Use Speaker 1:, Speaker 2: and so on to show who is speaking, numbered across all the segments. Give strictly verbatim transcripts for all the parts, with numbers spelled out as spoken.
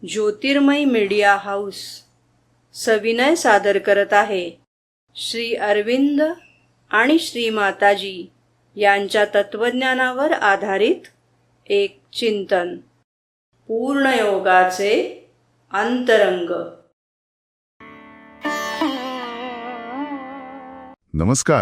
Speaker 1: ज्योतिर्मय media house सविनय सादर करत आहे श्री अरविंद आणि श्री माताजी यांच्या तत्वज्ञानावर आधारित एक चिंतन, पूर्णयोगाचे अंतरंग.
Speaker 2: नमस्कार.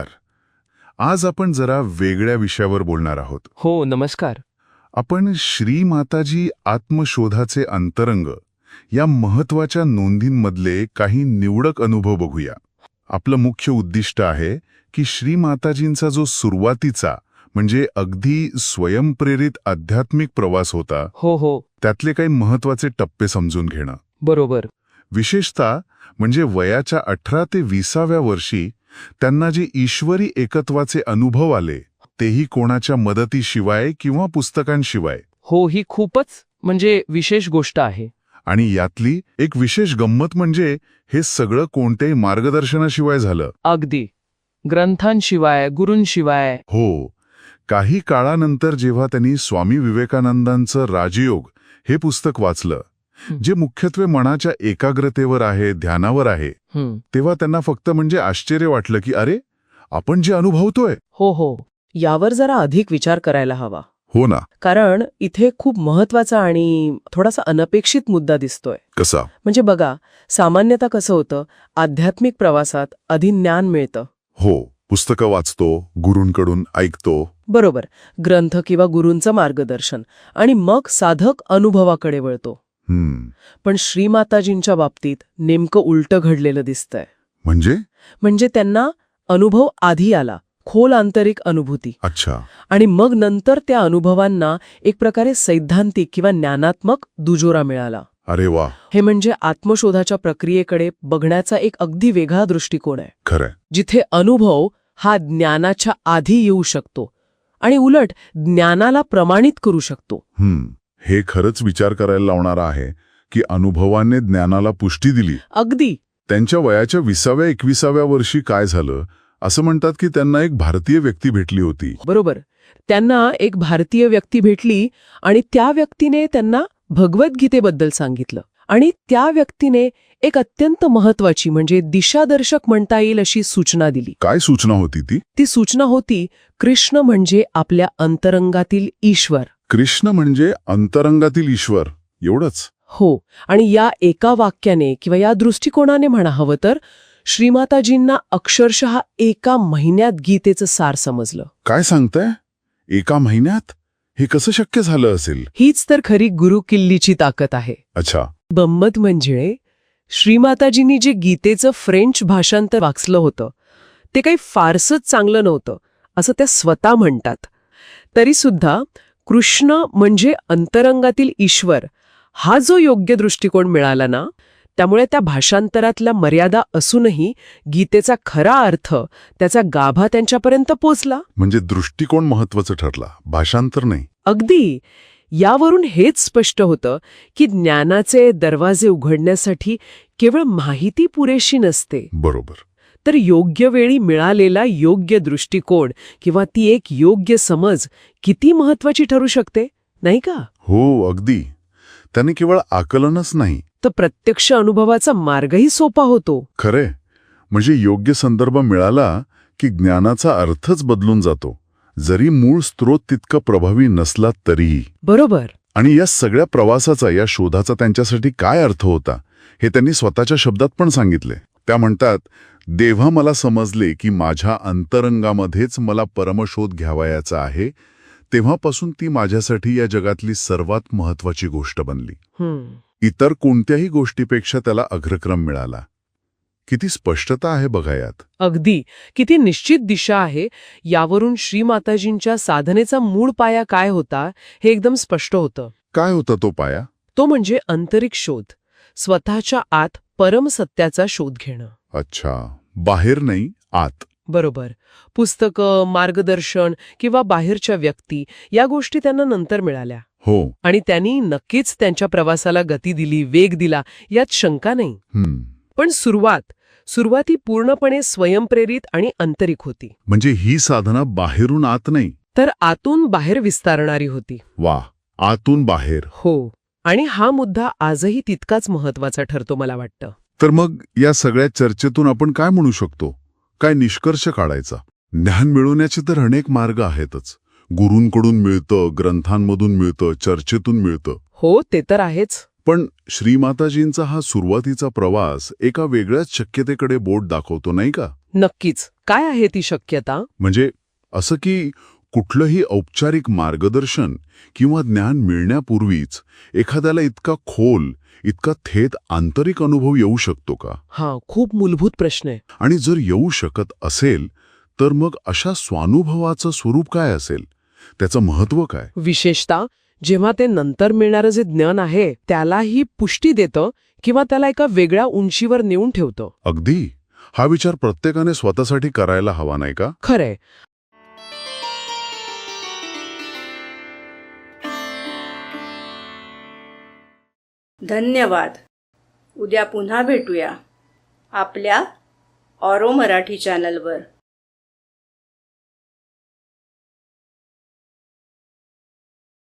Speaker 2: आज आपण जरा वेगळ्या विषयावर बोलणार आहोत.
Speaker 3: हो, नमस्कार.
Speaker 2: आपण श्री माताजी आत्मशोधाचे अंतरंग या महत्वाच्या नोंदींमधले काही निवडक अनुभव बघूया. आपलं मुख्य उद्दिष्ट आहे की श्री माताजींचा जो सुरुवातीचा म्हणजे अगदी स्वयंप्रेरित आध्यात्मिक प्रवास होता,
Speaker 3: हो हो
Speaker 2: त्यातले काही महत्वाचे टप्पे समजून घेणं.
Speaker 3: बरोबर.
Speaker 2: विशेषतः म्हणजे वयाच्या अठरा ते विसाव्या वर्षी त्यांना जे ईश्वरी एकत्वाचे अनुभव आले, तेही कोणाच्या मदतीशिवाय किंवा पुस्तकांशिवाय.
Speaker 3: हो, ही खूपच म्हणजे विशेष गोष्ट आहे.
Speaker 2: आणि यातली एक विशेष गंमत म्हणजे हे सगळं कोणत्याही मार्गदर्शनाशिवाय झालं.
Speaker 3: अगदी ग्रंथांशिवाय, गुरूंशिवाय.
Speaker 2: हो. काही काळानंतर जेव्हा त्यांनी स्वामी विवेकानंदांचं राजयोग हे पुस्तक वाचलं, जे मुख्यत्वे मनाच्या एकाग्रतेवर आहे, ध्यानावर आहे, तेव्हा त्यांना फक्त म्हणजे आश्चर्य वाटलं की अरे, आपण जे अनुभवतोय.
Speaker 4: हो हो यावर जरा अधिक विचार करायला हवा.
Speaker 2: हो ना.
Speaker 4: कारण इथे खूप महत्वाचा आणि थोडासा अनपेक्षित मुद्दा दिसतोय.
Speaker 2: कसा?
Speaker 4: म्हणजे बघा, सामान्यतः कसं होतं, आध्यात्मिक प्रवासात आधी ज्ञान मिळतं.
Speaker 2: हो, पुस्तकं वाचतो, गुरूंकडून ऐकतो.
Speaker 4: बरोबर, ग्रंथ किंवा गुरूंचं मार्गदर्शन, आणि मग साधक अनुभवाकडे वळतो.
Speaker 2: हम्म.
Speaker 4: पण श्रीमाताजींच्या बाबतीत नेमकं उलटं घडलेलं दिसतंय.
Speaker 2: म्हणजे
Speaker 4: म्हणजे त्यांना अनुभव आधी आला, खोल आंतरिक अनुभूती.
Speaker 2: अच्छा.
Speaker 4: आणि मग नंतर त्या अनुभवांना एक प्रकारे सैद्धांतिक किंवा ज्ञानात्मक दुजोरा मिळाला.
Speaker 2: अरे वा.
Speaker 4: हे म्हणजे आत्मशोधाच्या प्रक्रियेकडे बघण्याचा एक अगदी वेगळा दृष्टिकोन आहे,
Speaker 2: खरंय.
Speaker 4: जिथे अनुभव हा ज्ञानाच्या आधी येऊ शकतो आणि उलट ज्ञानाला प्रमाणित करू शकतो.
Speaker 2: हम्म. हे खरंच विचार करायला लावणारं आहे की अनुभवाने ज्ञानाला पुष्टी दिली.
Speaker 4: अगदी.
Speaker 2: त्यांच्या वयाच्या विसाव्या एकविसाव्या वर्षी काय झालं, असं म्हणतात की त्यांना एक भारतीय व्यक्ती भेटली होती.
Speaker 4: बरोबर. त्यांना एक भारतीय व्यक्ती भेटली आणि त्या व्यक्तीने त्यांना भगवद्गीतेबद्दल सांगितलं. आणि त्या व्यक्तीने एक अत्यंत महत्वाची म्हणजे दिशादर्शक म्हणता येईल अशी सूचना दिली.
Speaker 2: काय सूचना होती ती?
Speaker 4: ती सूचना होती, कृष्ण म्हणजे आपल्या अंतरंगातील ईश्वर.
Speaker 2: कृष्ण म्हणजे अंतरंगातील ईश्वर, एवढंच?
Speaker 4: हो. आणि या एका वाक्याने किंवा या दृष्टिकोनाने म्हणा हवं तर श्रीमाताजींना अक्षरशः एका महिन्यात गीतेचं सार समजलं.
Speaker 2: काय सांगताय? एका महिन्यात? हे कसं शक्य झालं असेल?
Speaker 4: हीच तर खरी गुरु किल्लीची ताकद आहे.
Speaker 2: अच्छा.
Speaker 4: गंमत म्हणजे श्रीमाताजींनी जे गीतेचं फ्रेंच भाषांतर वाचलं होतं, ते काही फारसंच चांगलं नव्हतं असं त्या स्वतः म्हणतात. तरी सुद्धा कृष्ण म्हणजे अंतरंगातील ईश्वर हा जो योग्य दृष्टिकोन मिळाला ना, त्यामुळे त्या भाषांतरातल्या मर्यादा असूनही गीतेचा खरा अर्थ, त्याचा गाभा त्यांच्यापर्यंत पोचला.
Speaker 2: म्हणजे दृष्टिकोन महत्वाचं ठरला, भाषांतर नाही.
Speaker 4: अगदी. यावरून हेच स्पष्ट होतं की ज्ञानाचे दरवाजे उघडण्यासाठी केवळ माहिती पुरेशी नसते.
Speaker 2: बरोबर.
Speaker 4: तर योग्य वेळी मिळालेला योग्य दृष्टिकोन किंवा ती एक योग्य समज किती महत्वाची ठरू शकते, नाही का?
Speaker 2: हो, अगदी. त्याने केवळ आकलनच नाही,
Speaker 4: तर प्रत्यक्ष अनुभवाचा मार्गही सोपा होतो.
Speaker 2: खरे. म्हणजे योग्य संदर्भ मिळाला की ज्ञानाचा अर्थच बदलून जातो, जरी मूळ स्रोत तितका प्रभावी नसला तरीही.
Speaker 4: बरोबर.
Speaker 2: आणि या सगळ्या प्रवासाचा, या शोधाचा त्यांच्यासाठी काय अर्थ होता हे त्यांनी स्वतःच्या शब्दात पण सांगितले. त्या म्हणतात, देव्हा मला समजले की माझ्या अंतरंगामध्येच मला परमशोध घ्यावयाचा आहे, तेव्हापासून ती माझ्यासाठी या जगातली सर्वात महत्वाची गोष्ट बनली. इतर कोणत्याही गोष्टीपेक्षा त्याला अग्रक्रम मिळाला. किती स्पष्टता आहे बघा यात.
Speaker 4: अगदी. किती निश्चित दिशा आहे. यावरून श्रीमाताजींच्या साधनेचा मूळ पाया काय होता हे एकदम स्पष्ट होतं.
Speaker 2: काय होता तो पाया?
Speaker 4: तो म्हणजे आंतरिक शोध, स्वतःच्या आत परमसत्याचा शोध घेणं.
Speaker 2: अच्छा. बाहेर नाही, आत.
Speaker 4: बरोबर. पुस्तकं, मार्गदर्शन किंवा बाहेरच्या व्यक्ती या गोष्टी त्यांना नंतर मिळाल्या.
Speaker 2: हो.
Speaker 4: आणि त्यांनी नक्कीच त्यांच्या प्रवासाला गती दिली, वेग दिला, यात शंका नाही.
Speaker 2: हम्म.
Speaker 4: पण सुरुवात सुरुवाती पूर्णपणे स्वयंप्रेरित आणि आंतरिक होती.
Speaker 2: म्हणजे ही साधना बाहेरून आत नाही,
Speaker 4: तर आतून बाहेर विस्तारणारी होती.
Speaker 2: वा. आतून बाहेर.
Speaker 4: हो. आणि हा मुद्दा आजही तितकाच महत्वाचा ठरतो मला वाटतं.
Speaker 2: तर मग या सगळ्या चर्चेतून आपण काय म्हणू शकतो? काय निष्कर्ष काढायचा? ज्ञान मिळवण्याचे तर अनेक मार्ग आहेतच. गुरूंकडून मिळतं, ग्रंथांमधून मिळतं, चर्चेतून मिळतं.
Speaker 4: हो, ते तर आहेच.
Speaker 2: पण श्रीमाताजींचा हा सुरुवातीचा प्रवास एका वेगळ्याच शक्यतेकडे बोट दाखवतो, नाही का?
Speaker 4: नक्कीच. काय आहे ती शक्यता?
Speaker 2: म्हणजे असं की कुठलंही औपचारिक मार्गदर्शन किंवा ज्ञान मिळण्यापूर्वीच एखाद्याला इतका खोल, इतका थेट आंतरिक अनुभव येऊ शकतो का?
Speaker 4: हा खूप मूलभूत प्रश्न आहे.
Speaker 2: आणि जर येऊ शकत असेल तर मग अशा स्वानुभवाचं स्वरूप काय असेल? त्याचं महत्त्व काय?
Speaker 4: विशेषतः जेव्हा ते नंतर मिळणारं जे ज्ञान आहे त्यालाही पुष्टी देतं किंवा त्याला एका वेगळ्या उंचीवर नेऊन ठेवतं.
Speaker 2: अगदी. हा विचार प्रत्येकाने स्वतःसाठी करायला हवा, नाही का?
Speaker 4: खरंय.
Speaker 1: धन्यवाद. उद्या पुन्हा भेटूया आपल्या ऑरो मराठी चॅनलवर.